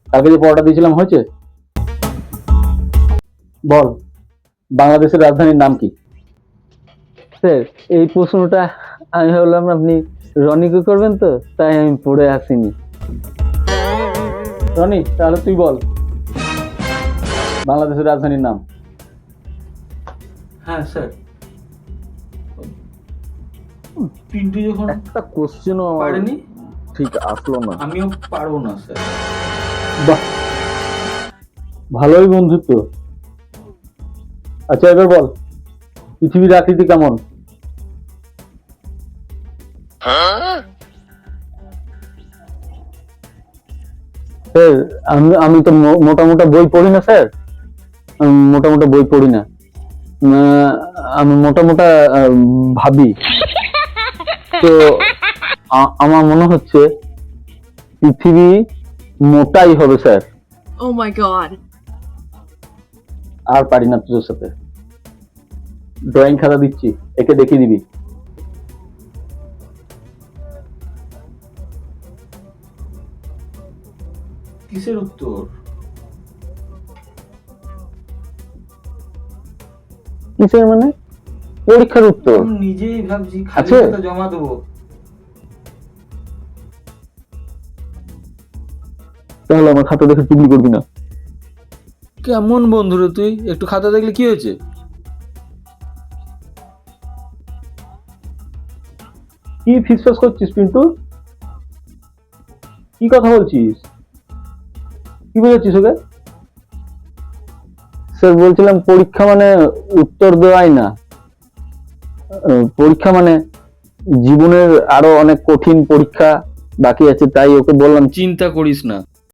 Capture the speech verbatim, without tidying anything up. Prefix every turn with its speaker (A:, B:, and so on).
A: কালকে যে পড়াটা দিয়েছিলাম হয়েছে? বল, বাংলাদেশের রাজধানীর নাম কি?
B: স্যার, এই প্রশ্নটা আমি ভাবলাম আপনি রনিকে করবেন, তো তাই আমি পড়ে আসিনি।
A: রনি, তাহলে তুই বল বাংলাদেশের রাজধানীর নাম।
C: হ্যাঁ স্যার, পিন্টু যখন
B: একটা কোশ্চেনও
C: পারেনি
B: ঠিক আসলো না।
C: আমিও পারবো না স্যার।
A: বাহ, ভালোই বন্ধুত্ব। আচ্ছা এবার বল, পৃথিবীর আকৃতি কেমন?
B: স্যার, আমি আমি তো মো- মোটা মোটা বই পড়ি না স্যার। আমি মোটা মোটা বই পড়ি না। আহ, আমি মোটা মোটা আহ, ভাবি। তো আ- আমার মনে হচ্ছে পৃথিবী মোটাই হবে স্যার।
D: Oh my god.
A: আর পারি না তোর সাথে। ড্রয়িং খাতা দিচ্ছি, একে দেখিয়ে দিবি।
C: কিসের উত্তর?
B: কিসের মানে? পরীক্ষার উত্তর।
C: আমি নিজেই ভাবছি খালি
B: আছে?
C: খাতা জমা দেবো।
B: তাহলে আমার খাতা দেখে চুগলি করবি না।
C: কেমন বন্ধু রে তুই? একটু খাতা দেখলে কি হয়েছে?
A: কি ফিসফাস করছিস পিন্টু? কি কথা বলছিস? কি বুঝাচ্ছিস ওকে?
B: স্যার, বলছিলাম পরীক্ষা মানে উত্তর দেওয়াই না। আহ, পরীক্ষা মানে জীবনের আরো অনেক কঠিন পরীক্ষা বাকি আছে, তাই ওকে বললাম।
C: চিন্তা করিস না,